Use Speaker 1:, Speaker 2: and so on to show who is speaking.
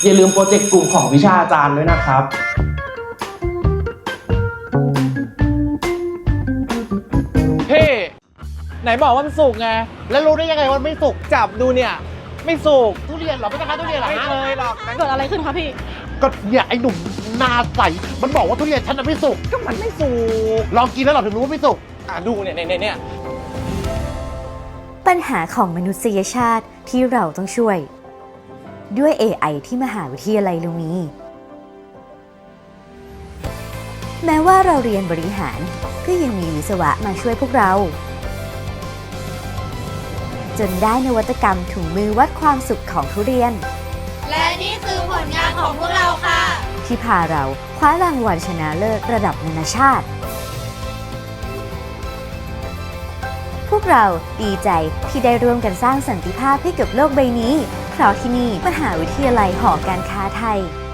Speaker 1: อย่าลืมโปรเจกต์กลุ่มของวิชาอาจารย์ด้วยนะครับ
Speaker 2: พี่ไหนบอกว่ามันสุกไง
Speaker 3: แล้วรู้ได้ยังไงว่าไม่สุก
Speaker 2: จับดูเนี่ยไม่สุก
Speaker 3: ทุเรียนเหรอไม่ใช่คะทุเรียนเหรอ
Speaker 2: ไม่
Speaker 3: ฮะ
Speaker 2: เคยหรอก
Speaker 4: เกิดอะไรขึ้นคะพี่
Speaker 3: ก็เนี่ยไอ้หนุ่มหนาใสมันบอกว่าทุเรียนฉันน่ะไม่สุก
Speaker 2: ก็มันไม่สุก
Speaker 3: ลองกินแล้วเราถึงรู้ว่าไม่สุก
Speaker 2: ดูเนี่ย
Speaker 5: ปัญหาของมนุษยชาติที่เราต้องช่วย ด้วย AI ที่มหาวิทยาลัยเรามี แม้ว่าเราเรียนบริหารก็ยังมีวิศวะมาช่วยพวกเรา จนได้นวัตกรรมถุงมือวัดความสุขของทุเรียน
Speaker 6: และนี่คือผลงานของพวกเราค่ะ
Speaker 5: ที่พาเราคว้ารางวัลชนะเลิศระดับนานาชาติ พวกเราดีใจที่ได้ร่วมกันสร้างสันติภาพให้กับโลกใบนี้ เพราะที่นี่มหาวิทยาลัยหอการค้าไทย